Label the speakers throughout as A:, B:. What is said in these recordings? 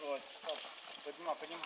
A: Вот, стоп. Поднимай.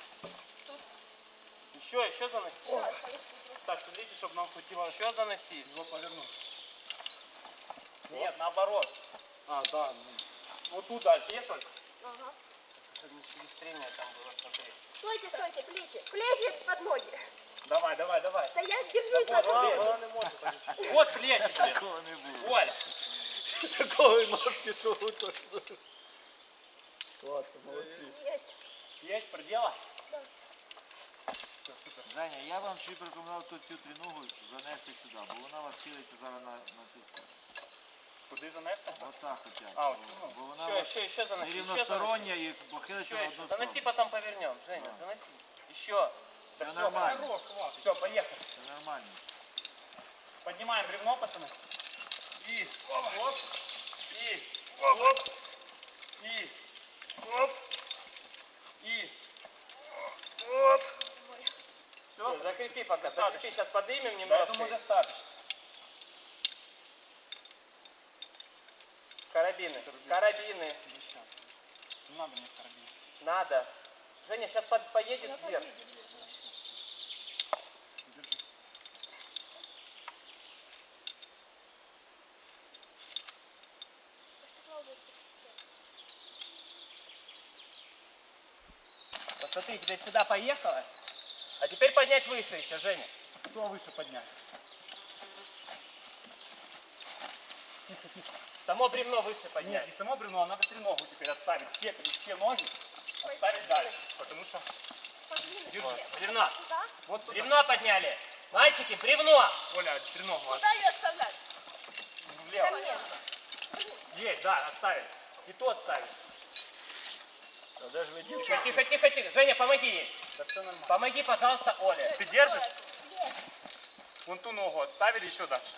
A: Еще заноси. Так, смотрите, чтобы нам хватило. Еще заноси. Его повернуть. Нет, наоборот. А, да. Вот туда, те только.
B: Ага.
A: Чтобы не через трение там было смотреть.
B: Стойте, плечи под ноги.
A: Давай.
B: Да я держусь
A: Да,
B: на
A: вот,
B: плечи.
A: вот плечи, блин.
C: Такого не було.
A: Оля.
C: Такого нас пішов точно. Класно, молодці.
B: Есть.
A: Есть предела?
B: Да.
A: Все, супер.
C: Женя, я вам ще б рекомендував тут цю триногу занести сюди, бо вона вас хилиться зараз на цю сторону.
A: Куди занести?
C: Отак хоча б.
A: А,
C: Бо
A: вот
C: вона
A: еще заноси.
C: нерівностороння і похилиться на
A: Еще.
C: одну
A: Заноси,
C: сторону.
A: потом повернем. Женя,
C: Да.
A: заноси. Еще.
C: Це
A: всё,
C: нормально.
A: хорош, все, поехали.
C: Це нормально.
A: Поднимаем бревно, пацаны. И оп. И оп. И оп. И оп. Все, закрепи пока. Закрепи, сейчас поднимем немножко. Я думаю, достаточно. Карабины. Не надо мне карабин. Надо. Женя, сейчас поедет вверх. Держи. Посмотри, теперь сюда поехала. А теперь поднять выше еще, Женя. Что выше поднять? Тихо. Само бревно выше поднять. Нет, не само бревно, а надо треногу теперь отставить. Все ноги отставить дальше. Потому что... Бревно. Вот бревно подняли. Мальчики, бревно. Оля, треногу.
B: Куда ее оставлять?
A: Влево. Есть, да, отставили. И то отставить.
C: Даже ви
A: Тихо. Женя, помоги ей. Да все нормально. Помоги, пожалуйста, Оле. Ты держишь? Вон ту ногу отставили еще дальше.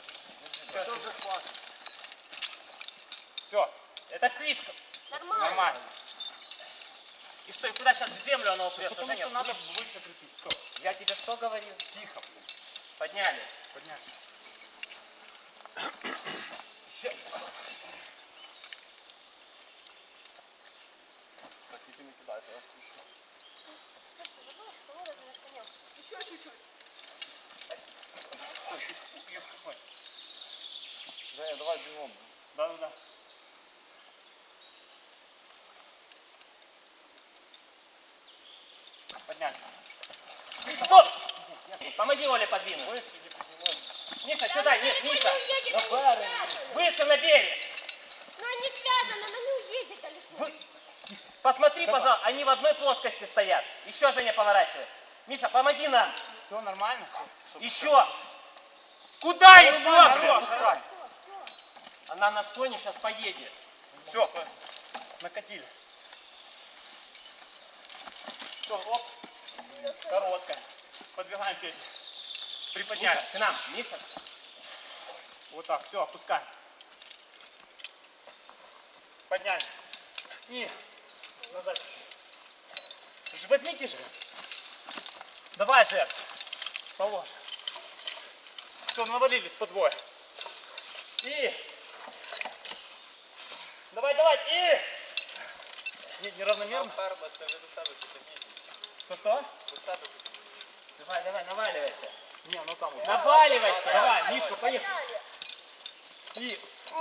A: Все. Это слишком. Нормально. И что, и куда сейчас в землю оно упрется?
C: Потому что надо выше крепить.
A: Что? Я тебе что говорил?
C: Тихо.
A: Подняли.
C: Так, тільки не кидайте, я слышу.
B: Еще чуть-чуть.
C: Женя, давай бігом.
A: Да. Подняли. Стоп! Помоги Оле подвинуть. Миша, сюда, нет, Миша. Выше на берег.
B: Но они связаны, она не уедет далеко.
A: Посмотри, пожалуйста, они в одной плоскости стоят. Еще, Женя, поворачивай. Миша, помоги нам. Все нормально? Еще. Куда еще? Она на склоне сейчас поедет. Все, накатили. Все, оп. Короткая. Подвигаем Петю. Приподняли. Миша, к нам. Миша. Вот так, все, опускаем. Подняли. И назад чуть-чуть. Возьмите же. Давай же. Положь. Все, навалились по двое. И. Давай. И. Неравномерно. Что? Давай, наваливайся. Не, ну там вот. Наваливайся. Давай, Мишка, поехали. И.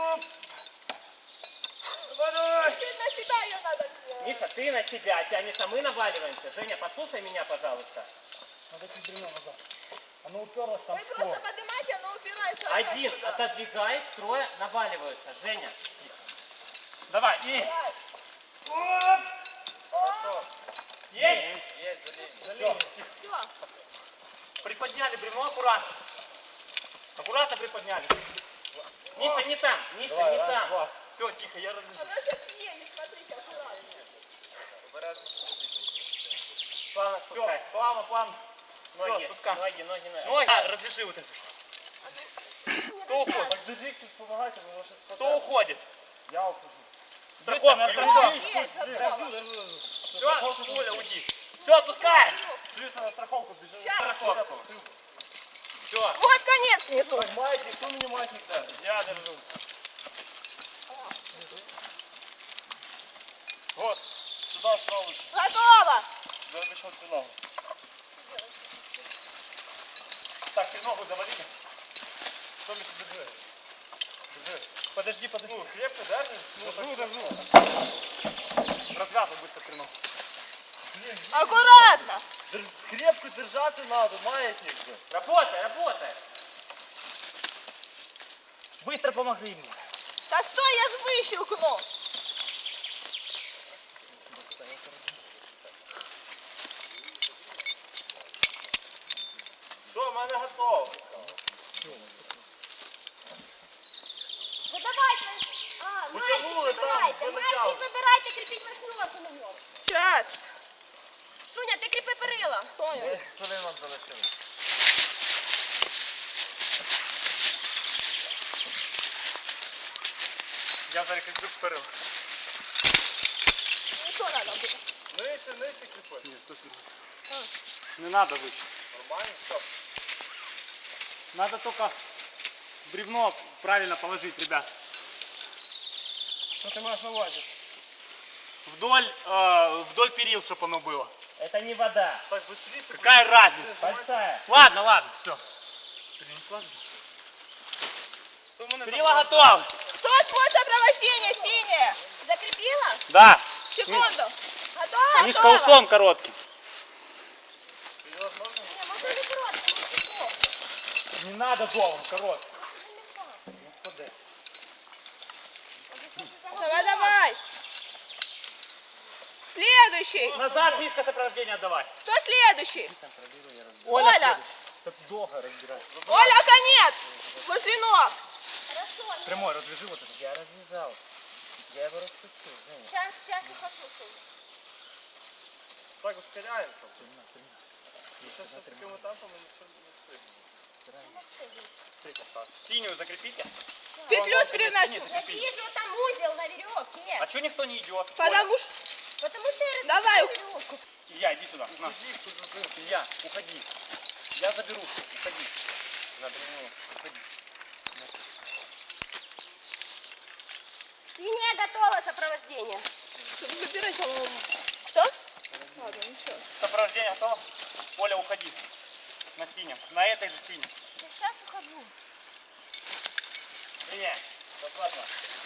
B: Чуть на себя ее надо сделать.
A: Миша, ты на себя тянешь, а мы наваливаемся. Женя, послушай меня, пожалуйста. Надо чуть бревно назад. Оно уперлось там
B: Вы
A: в
B: просто
A: стол.
B: поднимаете, оно упирается.
A: Один отодвигает, трое наваливаются. Женя. Давай, и. Оп. Хорошо. Есть? Есть.
B: Все.
A: Приподняли бревно аккуратно. Аккуратно приподняли. Миша, не там. Миша, не там. Все, тихо, я разрешу.
B: Она сейчас едет, смотрите, аккуратно.
A: Плавно спускай. Все, плавно. Ноги, спускай. Ноги. Развяжи вот эту штуку. Кто уходит?
C: Держи, хтось помагайте, бо воно щось
A: Кто уходит?
C: Я ухожу.
A: Страховка.
B: Есть, готово.
A: Все, Оля, уйди. Все, отпускаем.
C: Плюса на страховку біжи.
A: Страховка. Все.
B: Вот конец несу.
C: Маятник, хто мені маятник дасть?
A: Я держу. Вот.
C: сюди, справа.
B: Готово.
C: Я пішов цю ногу. Так, ты ногу завалили. Что мне держи? Держи.
A: Подожди.
C: Ну, крепко держишь?
A: Держу. Развязывай быстро треногу.
B: Аккуратно.
C: Крепко держаться надо, маятник же.
A: Работай. Быстро помоги мне.
B: Да стой, я ж выщелкну.
C: Все, в мене готово.
B: Ну давайте.
C: Потянули там,
B: выбирайте.
C: ви
B: Мальчик,
C: натягли.
B: выбирайте, крепить восьмерку на нем. Сейчас. Суня, ты крепи перила. Понял.
C: 10 хвилин нам залишили.
A: Я зарекомендую вперед.
B: Ну что надо будет?
C: Нижче кріпи.
A: Не надо выше.
C: Нормально, все.
A: Надо только бревно правильно положить, ребят.
C: Що ти маєш на увазі?
A: Вдоль перил, чтобы оно было.
D: Это не вода.
C: Так, быстрее.
A: Какая разница?
D: Большая.
A: Ладно, все. Перила готовы.
B: Кто твой сопровождение, синее? Закрепила?
A: Да.
B: Секунду. Готово?
A: Они с колесом коротким.
B: Не, можно не коротко, можно
A: Не надо долго, коротким.
B: Давай. Следующий.
A: Назад близко сопровождение отдавай.
B: Кто следующий?
A: Оля.
B: Оля.
D: Так долго разбирать.
B: Оля, конец. Возле ног. Хорошо.
A: Прямой, развяжи вот это.
D: Я развязал. Я его распустил. Женя.
B: Сейчас ухожу.
C: Так, ускоряємося. Сейчас с таким темпом ми не встигнемо.
A: Синюю закрепите.
B: Петлю
A: Синюю
B: переноси.
A: закрепите.
B: Вижу там узел на веревке.
A: А что никто не идет?
B: Потому что я Давай.
A: Оля, Илья, иди сюда. На. Илья, уходи. Я заберу. Уходи. Заберу. Уходи.
B: Синяя готова сопровождение. Выбирай, по-моему. Что? Ладно, ничего.
A: Сопровождение готово? Оля, уходи. На синем. На этой же синей.
B: Я сейчас ухожу.
A: Нет, аккуратно.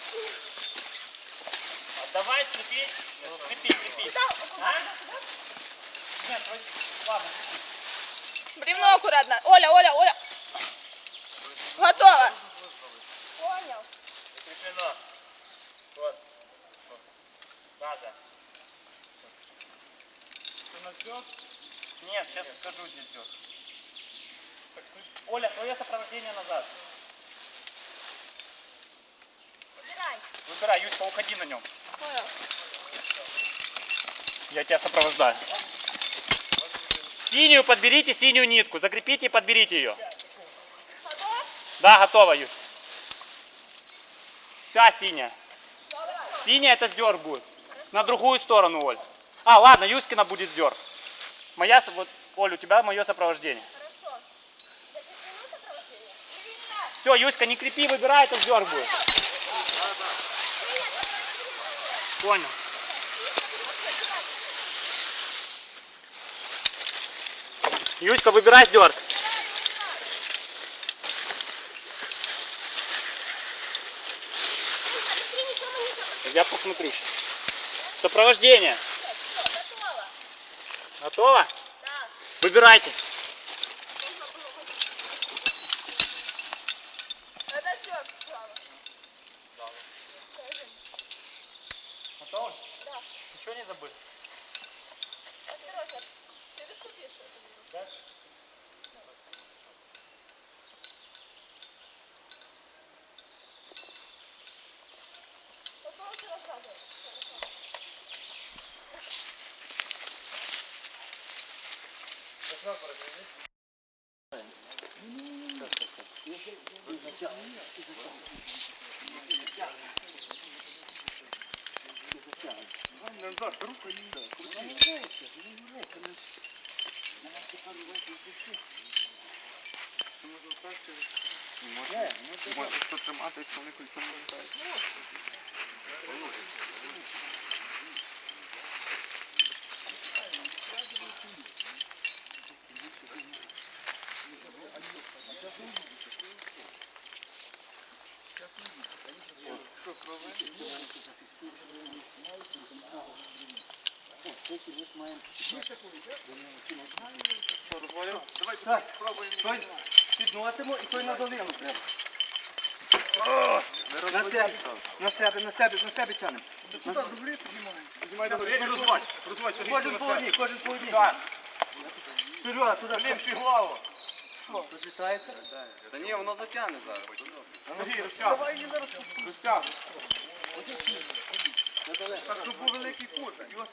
A: Давай крепи. Крепи. А? Нет, вроде... Ладно, крепи.
B: Бревно аккуратно. Оля. Готово. Понял.
C: Закріплено. Вот.
A: Надо. Ты нас ждешь? Нет, сейчас скажу, где ждешь. Оля, твое сопровождение назад.
B: Выбирай.
A: Выбирай, Юська, уходи на нем.
B: Понял.
A: Я тебя сопровождаю. Синюю подберите, синюю нитку. Закрепите и подберите ее.
B: Готов?
A: Да, готово, Юсь. Вся синяя.
B: Давай.
A: Синяя это сдерг будет. На другую сторону, Оль. А, ладно, Юськина будет сдерг. Моя, вот, Оль, у тебя мое сопровождение.
B: Хорошо. Закреплено сопровождение? Переставь.
A: Все, Юська, не крепи, выбирай, это сдерг будет. Понял. Юська, выбирай сдерг. Я посмотрю. Сопровождение.
B: Готово.
A: Готово?
B: Да.
A: Выбирайте.
B: Это все, Слава.
A: Готово?
B: Да.
A: Ничего не забыл?
B: Осторожно. Ты доступишь это?
A: Да?
B: Попробуйте рассказывать.
A: Може хто тримати, якщо вони кольцо не літають.
E: Підносимо і той на долину треба. На себе тянемо. Кожен по одній. Вперед, туди. Ліпши голову. Що, розлітається?
F: Та ні, воно затягне зараз.
C: Сергій, розтягуй. Розтягуй. Так, щоб був великий кут.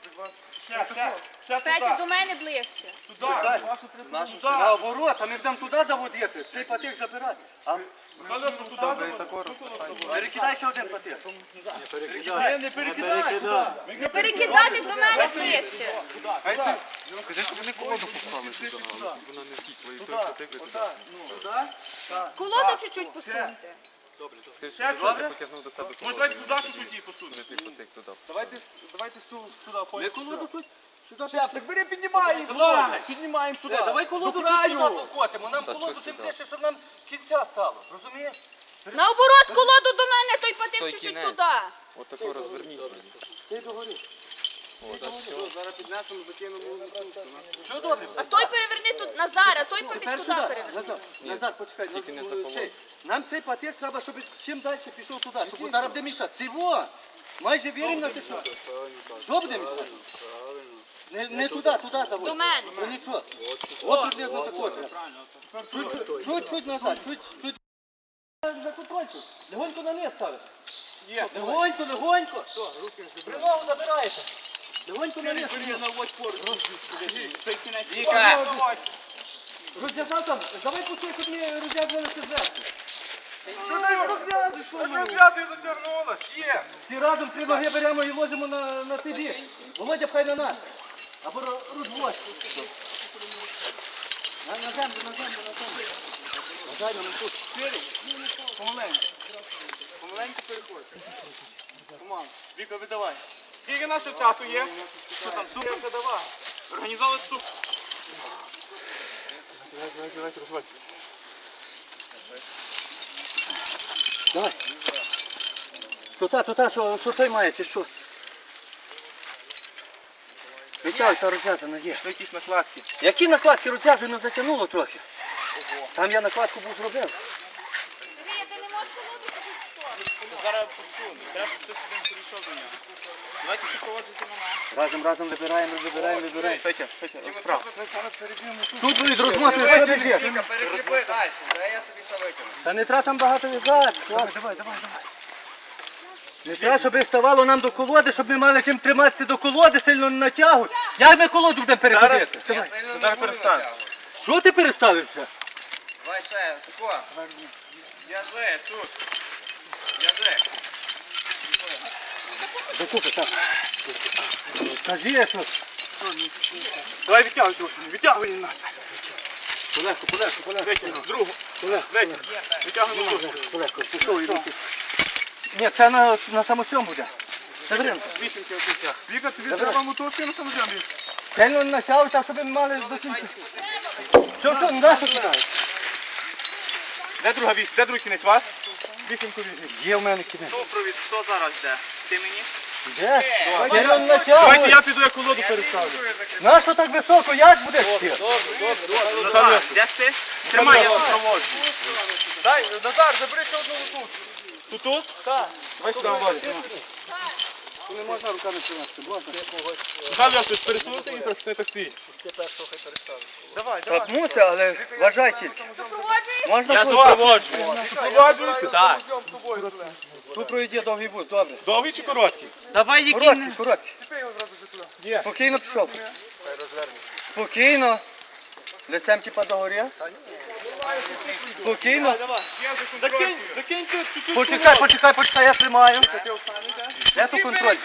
C: Ще
B: Петя, до мене ближче.
C: туди.
F: Нашу
E: Наоборот, а ми будемо туди заводити. Цей патик забирати. А
C: Михайло, туди заводить.
E: перекидай ще один патик.
C: Не перекидай.
B: Не перекидати до мене ближче. Колоду чуть-чуть посуньте.
C: Добре? Може, давайте туди чуть-чуть її посунути.
F: Давайте сюди
E: Ми колоду тут сюди.
F: Так бери, піднімаємо. Піднімаємо туди.
E: Давай колоду сюди покотимо. Нам колоду тим ближче, щоб нам кінця стало. Розумієш?
B: Наоборот, колоду до мене, той патик чуть-чуть туди.
G: Отако розверніть.
E: Ти догори.
F: Зараз піднесемо, закинемо.
E: Що добре?
B: А той переверни тут Назар, а той патик
E: Тепер
B: туди
E: сюди.
B: переверни.
E: Назад, почекай.
G: Тільки не за колоду.
E: Нам цей патик треба, щоб чим далі пішов туди, щоб зараз буде мішати. Цього. Майже віримо на те, що. Що буде мішати? Не туди заводь.
B: До мене.
E: Ну нічого. От приблизно такое. Чуть-чуть назад, чуть. За контрольку. Легонько на низ ставиш. Легонько. Прилогу забираєте. Легонько на низ.
F: Віка!
E: Розв'язав там. Давай пусти, щоб ми розв'язувалися зверху.
C: Розв'язує, затягнула. Є.
E: Всі разом три ноги беремо і ложимо на цей бік. Володя, пхай на нас. Або розводь. На землю. На землю, на тут.
C: Помаленьку переходь. Команда. Віка, видавай. Скільки нашого часу є? Що там, супер? Давай. Організовуй супер. Давайте, розвивайте.
E: Давай. Тута, що той має, чи що? Витягуй, та розв'язана є.
C: Що якісь накладки?
E: Які накладки розв'язуємо, затягнуло трохи. Там я накладку був зробив.
B: Сергій, ти не можеш колоду чуть-чуть.
C: Зараз посуну. Треба, щоб хтось один перейшов до нього. Давайте ще проводити на нас.
E: Разом вибираємо.
C: Петя, справа.
E: Тут будуть розмотувати, що біжиш.
F: Віка, перекріпи далі. Дай я собі все викину.
E: Та не треба там багато в'язати. Давай. Не треба, щоб їх ставало нам до колоди, щоб ми мали чим триматися до колоди, сильно не натягуй. Як ми колоду будемо переходити?
F: Я сильно не
C: Зараз
F: буду
C: перестань.
F: натягувати.
E: Що ти переставився?
F: Давай ще, тако. В'яжи, тут. В'яжи.
E: Докупи, так. Скажи, що...
C: Давай відтягуй трохи. Відтягуй нас.
E: Полегко.
C: Витягнув. Другу. Витягнув. Витягнув тут.
E: Полегко, пішов і руки. Ні, це на самосьом буде. Це варіант.
C: Вісімки отут. Віка, тобі треба мотовки на самоземлі.
E: Сильно натягуй, так, щоб ми мали до кінця. Все, не дай, що кидаєш.
C: Де друга вісім? Де другий кінець вас? Вісімку візьміть.
E: Є в мене кінець.
C: Супровід, хто зараз йде? Ти мені?
E: Де? Сильно
C: Давайте
E: натягуй.
C: я піду, я колоду переставлю.
E: Нащо так високо? Як будеш ти?
C: Назар, де ти? Тримай, я вас проводжу. Дай, Назар, забери ще одну тут. Тут? Так. Давай сюди, Володя.
E: Не можна руками тримати.
C: Назар, я щось пересунути і так не так стоїть. Давай,
E: Так мусить, але вважай тільки.
B: Супроводжуєш?
E: Можна
C: Я
E: тут?
C: супроводжу. Супроводжуєте? Так.
E: Тут пройде довгий бут, добре.
C: Довгий чи короткий?
E: Давай короткий. Спокійно пішов. Спокійно. Лицем типа догорі. Спокійно.
C: Закинь тут чуть-чуть.
E: Почекай, я тримаю. Де тут контролька?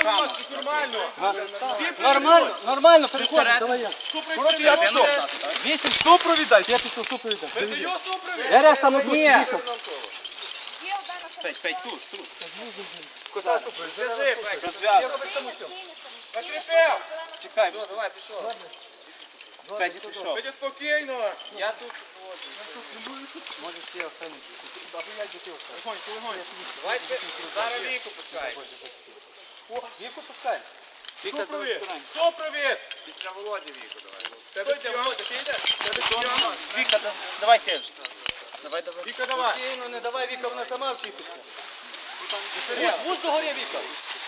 C: Нормально.
E: Нормально, переходимо, давай я.
C: Коротше, я пішов.
E: 8 супровід дай. Я пішов супровід дай. Я раз там отут їхав.
B: Є одна на
C: Петь, тут.
F: В'яжи, Петя.
C: Закріпив.
F: Чекай, давай, пішов.
C: Петя пішов. Петя, спокійно.
F: Я тут. Давайте зараз Віку пускай.
E: Віку пускай.
C: Хто провід? Хто провід?
F: Після Володі Віку давай.
C: Тебе сьом.
A: Вика, давайте. Давай.
C: Віка, давай.
E: Спокійно, не давай, Віка, вона сама вчитися. Будь догорі, Віка.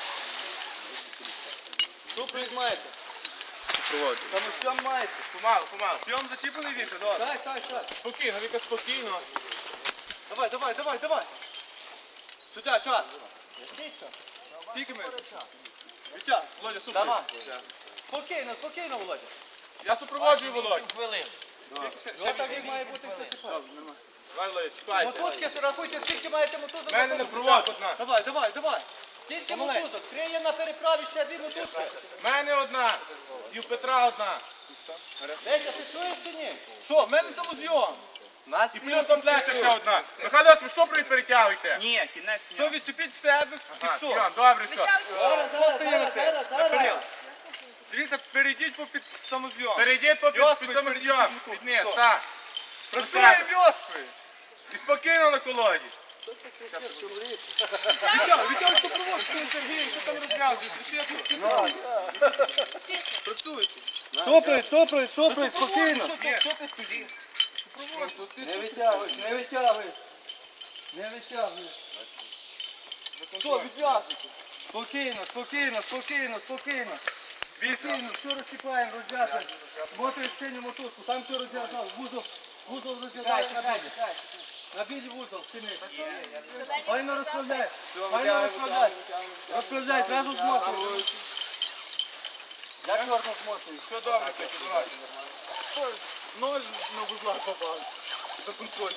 E: Супровід маєте. Самостьом маєте.
C: Помалу. Сьом зачіплений Віка, добре.
E: Так.
C: Спокійно, Віка, спокійно.
E: Давай. Сюди, час.
C: Скільки ми? Вітя, Володя, супер.
E: Давай. Спокійно, Володя.
C: Я супроводжую Володю.
E: Ось так як має бути все тепер.
C: Давай, Володя, чекайся.
E: Мотузки, рахуйте, скільки маєте мотузок.
C: Мене не проводь одна.
E: Давай. Скільки мотузок? Криє на переправі ще 2 мотузки.
C: В мене одна. І у Петра одна.
E: Леся, ти чуєш чи ні?
C: Що, в мене самозйом. І плюс комплекту ще одна. Михайло, ви супровід перетягуйте.
A: Ні, кінець
C: Все, відчепіть з себе. І
E: Ага.
C: все. Добре, все.
E: Зараз.
C: Дивіться, перейдіть по під самозйом. Перейдіть по під самозйом. Під низ, так. Працює вьоскою. І спокійно на колоді. Вітя, що проводить, Сергій, що там розглядуєш? Працюйте.
E: Супровід, спокійно.
C: Що ти стоїш?
E: Не витягуєш. Що, відв'язуйте. Спокійно. Спокійно, все розсипаємо, розв'язуємо. Смотриш синю мотузку, там все розв'язав. Вузол розв'язав на білі. На білі вузол, сини. Файно розправляй. Розправляй, зразу змотуй. Я чорно змотую.
C: Все добре, Петя, давай. Ноль на вузла попав. За контроль.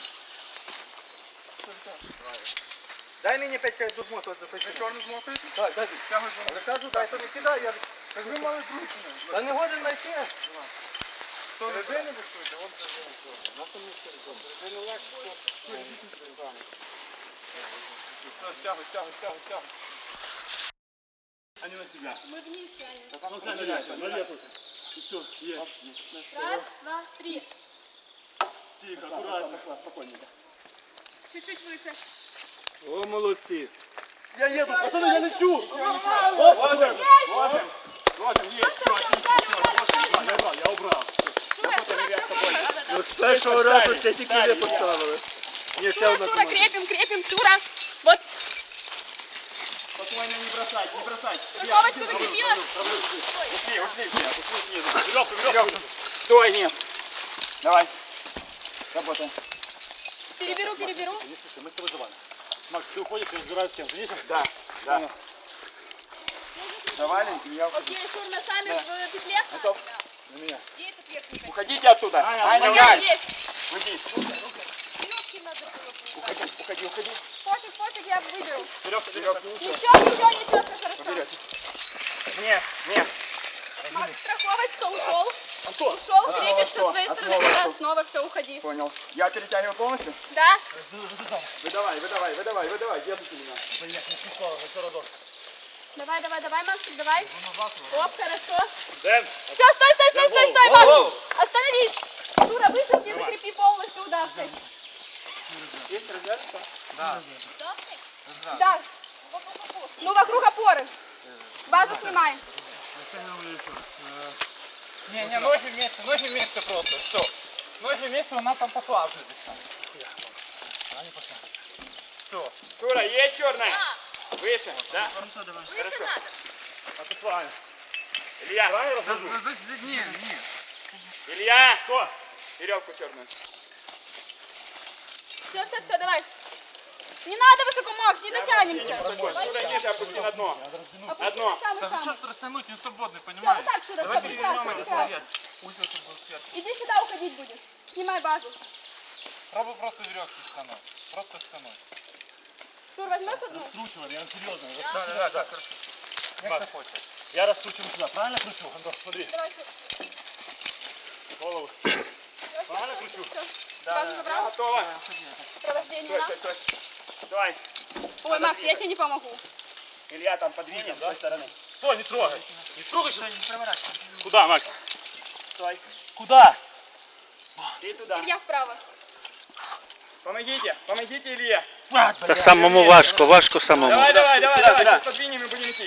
E: Дай мені 5 хай змотувати.
C: Ви чорно змотуєте?
E: Так, дай.
C: Тягуй змотуєте.
E: Розказу, дай, то не кидай, я...
C: Ви мали зручно.
E: Та не годен знайти.
C: Ви не вистуєте, он Стягуй. Они на себя.
B: Мы вместе, Аня.
C: Все, есть.
B: Раз, два, три.
C: Тихо, аккуратно. Спокойненько.
B: Чуть-чуть выше.
E: О, молодці. Я їду, пацани, я лечу.
C: Ложим, есть. Я убрал.
E: Ну, з першого разу це тільки ви поставили. Ні, ще одна
B: Шура,
E: команда.
B: крепим, Шура. Вот,
C: Спокойно, не бросать.
B: верховочку закрепила.
C: Ушли снизу. Веревку. Стой, нет. Давай. Работаем.
B: Переберу.
C: Мы с тобой завалим. Макс, ты уходишь, я разбираюсь с кем. Видишь? Да. Завалим, и я ухожу.
B: Окей, Шур, носами в петле.
C: Готов? На меня.
B: И этот верхний.
C: Уходите отсюда. Аня,
B: Понятно, есть.
C: Уйди.
B: Веревки надо было.
C: Уходи.
B: Пофиг, я выберу.
C: Веревка.
B: Ничего, все хорошо.
C: Нет.
B: Макс, страховочка, ушел.
C: Антон.
B: Ушел, крепишься с твоей
C: Основа,
B: стороны.
C: что?
B: Да, снова все, уходи.
C: Понял. Я перетягиваю полностью?
B: Да?
C: Выдавай. Держите меня.
B: Давай, Макс, давай. Оп, хорошо.
C: Дэн.
B: Все, стой, Макс. Остановись. Шура, вышел, ты закрепи полностью удавкой.
C: Есть развязка?
B: Да. Ну, вокруг опоры. Базу снимаем.
A: Не, ноги вместе просто, все. Ноги вместе, она там пошла уже. Все.
C: Шура, есть черная? Выше, да?
B: Выше надо.
C: А ты правильно. Илья.
A: Не.
C: Илья. Что? Веревку черную.
B: Все, давай. Не надо высоко, Макс, не дотянемся.
C: Шура, ниже опусти на дно.
B: Опусти
C: Одно.
B: самый.
A: Растянуть, не свободный,
B: Все, вот
A: понимаешь?
B: так, Шура, все прекрасно.
A: Узел тут был сверху.
B: Иди сюда уходить будешь. Снимай базу.
A: Пробуй просто веревки стянуть. Просто стянуть.
B: Шур, возьмешь одну?
A: Раскручивай, я серьезно. Да, хорошо. Как ты хочешь. Я раскручиваю сюда, правильно кручу? Антон, смотри.
B: Давай, Шур.
A: Голову.
B: Всё,
A: Правильно кручу?
B: всё. Базу забрал?
C: Готово.
B: Провождение на.
C: Стой. Давай.
B: Ой, Макс, я тебе не помогу.
C: Илья там подвинем с той стороны.
A: Стой, не трогай. Не трогай, что не проворачивай.
C: Куда, Макс? Стой.
A: Куда?
C: Ты туда.
B: Илья вправо.
C: Помогите, помогите Илье.
G: Та самому важко самому.
C: Давай. Сейчас подвинем и будем идти.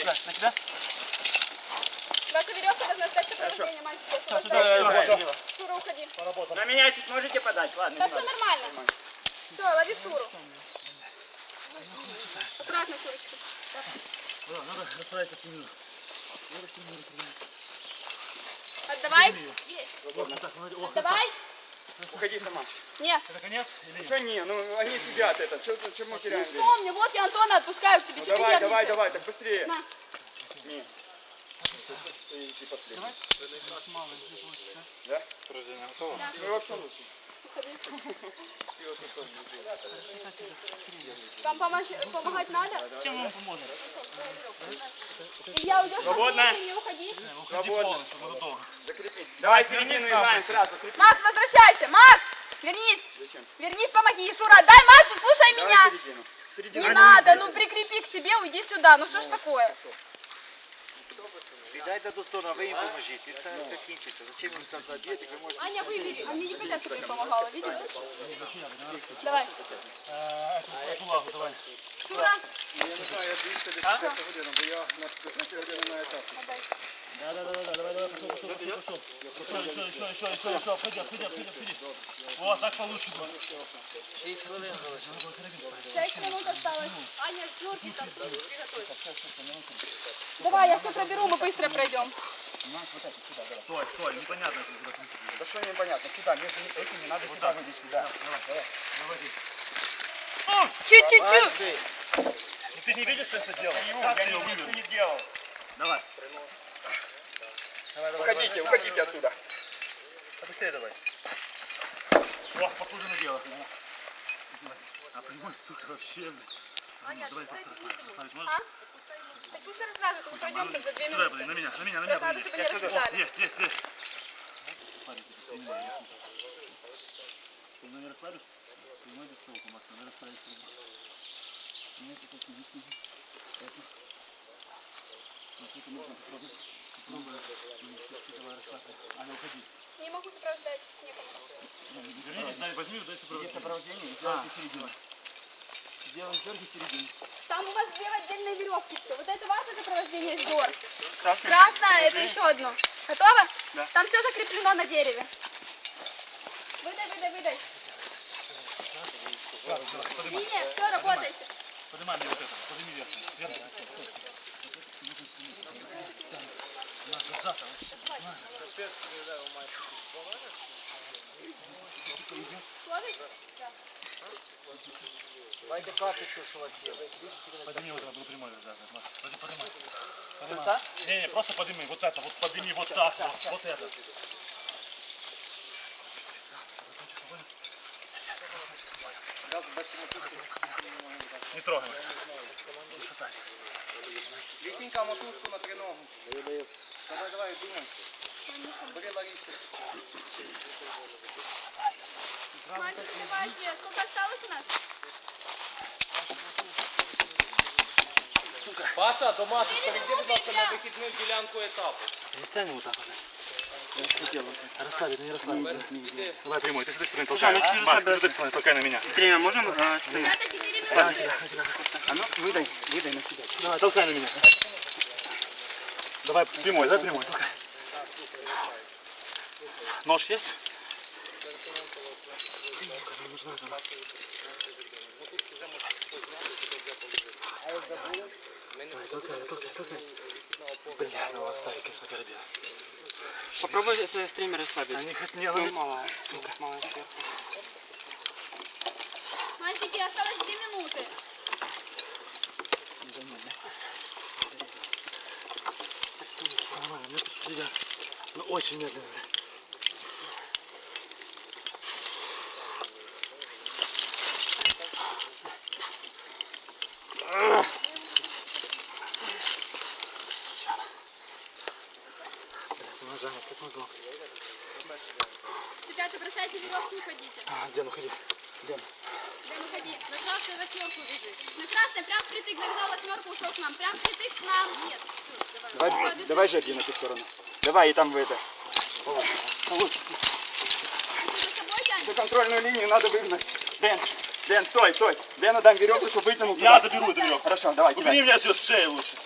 B: Ваша веревка должна стать сопровождением, мальчики. Шура, уходи.
C: На меня чуть можете подать? Ладно,
B: Да все нормально. Все, лови Шуру. Аккуратно, Шурочка. Отдавай. Есть. Отдавай.
C: Уходи сама.
B: Нет.
C: Что не? Ну они сидят это. Что мы теряем? время?
B: Помни, вот я Антона отпускаю к тебе.
C: Ну,
B: Чё ты
C: давай,
B: нервничаешь?
C: так быстрее.
B: На.
C: Не. Да? Ну вообще лучше.
B: Вам помогать надо? Чем вам поможет? Илья, уйдешь?
C: Свободно.
B: Не уходи.
C: Свободно. Закрепи. Давай середину играем сразу. Закрепи.
B: Макс, возвращайся. Макс, вернись.
C: Зачем?
B: Вернись, помоги. Шура, дай Максу, слушай
C: Давай
B: меня.
C: середину. Середину.
B: Не надо, ну прикрепи к себе, уйди сюда. Ну что ж такое?
F: Віддайте до сторону, а ви їм поможіть. І все закінчиться. Зачем їм там заб'єте, ви можете...
B: Аня, выбери. А мне непонятно, кто ей помогала, видишь? Давай.
D: Эту лагу, давай.
B: Шура.
C: Я не знаю, я 210 годину, бо я на 15 годину на етапі.
D: Давай, пошел, входи. Вот, так получше будет.
B: 6 минут осталось. Аня, снорки там приготовь. Давай, я все проберу, мы быстро пройдем.
D: Стой, непонятно.
C: Да что непонятно, сюда, между этими надо сюда выйти, сюда.
B: Чуть-чуть.
D: Ну ты не видишь, что это делал?
C: Я ничего не делал.
D: Давай.
C: Уходите оттуда.
D: Побыстрее давай. О, похоже на дело. А прямой, сука, вообще, блин.
B: Аня,
D: Давай,
B: ты
D: поставить можешь?
B: А? Так пусть рассказывают, мы пройдем за 2
D: Сюда,
B: минуты.
D: блин, на меня,
B: Надо,
D: подойди.
B: чтобы не рассказали.
D: Есть. Ты меня расслабишь? Ты не можешь стол, Макс, надо расслабить. Нет, это не сиди. Это. Вот это можно попробовать. Давай, расслабься. Аня, уходи.
B: Не могу сопровождать, некому.
D: Вернитесь, дай, возьми, дай сопровождение.
C: Сопровождение и делайте середину. Делаем дерги середину.
B: Там у вас 2 отдельные веревки. Все. Вот это ваше сопровождение с гор. Красное, это еще одно. Готово?
C: Да.
B: Там все закреплено на дереве. Выдай. Линия, все, работайте.
D: Поднимай мне вот это, подними вверх.
B: Ловишь? Да.
F: Давайте карточку, що у вас є.
D: Подними вот это, буду прямой держать. Поднимай. Не, просто подними, вот это, вот подними вот так, вот это. Не трогай.
C: Витенька, мотузку на треногу. Давай, думай. Бери Ларису.
B: Мальчики, давайте. Сколько осталось у нас?
E: Паша, до матушка, йди, будь ласка, на вихідну ділянку етапу.
D: Ставим вот так вот. Расслабить, не расслабить. Давай прямой, ты с этой стороны толкай. Макс, ты с этой стороны толкай на меня.
E: Время можемо?
B: Ребята, 4 минуты.
C: А ну, выдай на себя.
D: Давай, толкай на меня. Давай прямой, толкай. Нож есть? Толкай. Бля, ну оставь, конечно, корабель.
E: Попробуй стример расслабить.
D: Они хоть не ложить.
E: Мало сверху.
B: Мальчики, осталось 2 минуты.
D: Нормально, мне тут сидят. Но очень медленно. Как мозок.
B: Ребята, бросайте веревку и уходите.
D: Где, ну ходи.
B: Дэн, уходи. На красную 8 бежит. На красной прям впритык завязал 8, ушел к нам. Прям впритык к нам. Нет. Все,
C: Давай же один на ту сторону. Давай, и там в это.
B: Ты за собой тянешь?
C: За контрольную линию надо выгнать. Дэн, Дэн, стой, стой. Дэну дам веревку, чтобы вытянул туда.
D: Я заберу эту веревку.
C: Хорошо, давай,
D: Убери
C: кидай.
D: меня все с шеи лучше.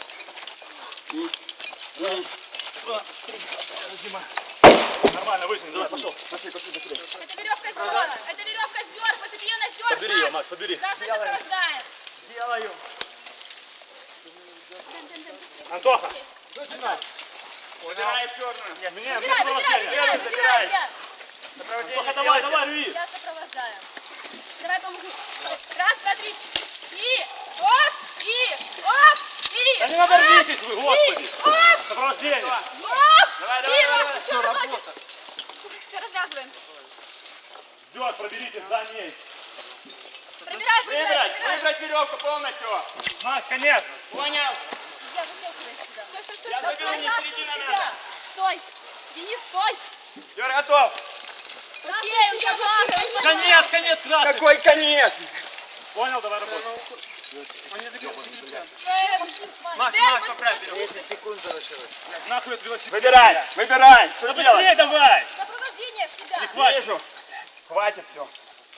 D: Нормально, вытяни, давай, пошел.
C: Пошли, пошли, быстрее.
B: Это веревка сдерла. Это веревка сдер. Посади ее на сдер.
D: Подбери ее, Макс, подбери.
B: Нас это сопровождает.
C: Делаю.
D: Антоха,
C: Убирай черную.
D: мне
B: Забирай, забирай, забирай, ребят.
D: Антоха, давай, давай, рви.
B: Я сопровождаю. Давай помогу. Раз, два, три. И оп, и оп, и
D: Да не надо рвитесь вы, господи.
B: и оп,
D: Сопровождение.
B: оп,
C: Давай,
B: и
C: давай,
B: раз.
C: давай.
B: Все, работа. Все, развязываем.
D: Ждет, проберите за ней.
B: Пробирай, пробирай, пробирай.
C: Выбрать веревку полностью.
D: Макс, конец.
C: Понял?
B: Я вытягиваю сюда. Стой, стой,
C: Я
B: стой.
C: заберу, не
B: Назад
C: середина
B: себя.
C: надо.
B: Стой. Денис, стой.
C: Юра, готов.
B: Окей, у тебя план.
D: Конец, конец красный.
C: Какой конец?
D: Понял, давай работай.
B: Макс,
C: поправь.
F: 10 секунд залишилось.
D: Нахуй от велосипеда.
C: Выбирай, выбирай. Что
D: Да
C: делать?
D: быстрее давай.
B: Сопровождение сюда.
D: Не хватит.
C: Вижу. Хватит все.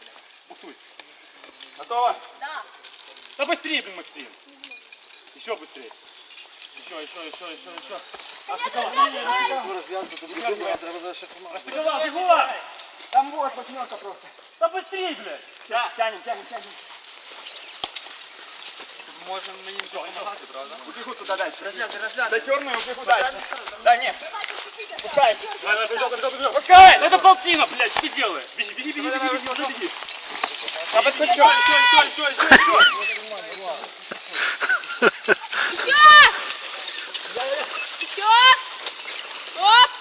C: Готово?
B: Да.
D: Да быстрее, блин, Максим. Еще быстрее. Еще.
B: Нет,
D: Расстыковал, бегом.
C: Там вот восьмерка просто.
D: Да быстрее, блядь.
C: Да. Тянем.
E: Можем мы им помогать, правда?
C: Убегу туда дальше. Да черную убегу дальше. Да нет. Пускай.
D: Давай, бежал.
C: Пускай.
D: Это полтина, блядь, что ты делаешь? Беги, беги.
C: Я подпущу.
B: Еще. Оп.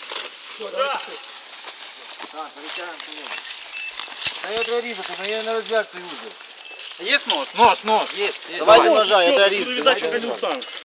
F: А я треба різати, но я не розв'яжу цей узел.
E: Есть нож? Нож, есть.
F: Давайте ножа, я треба
D: Передачу не устану.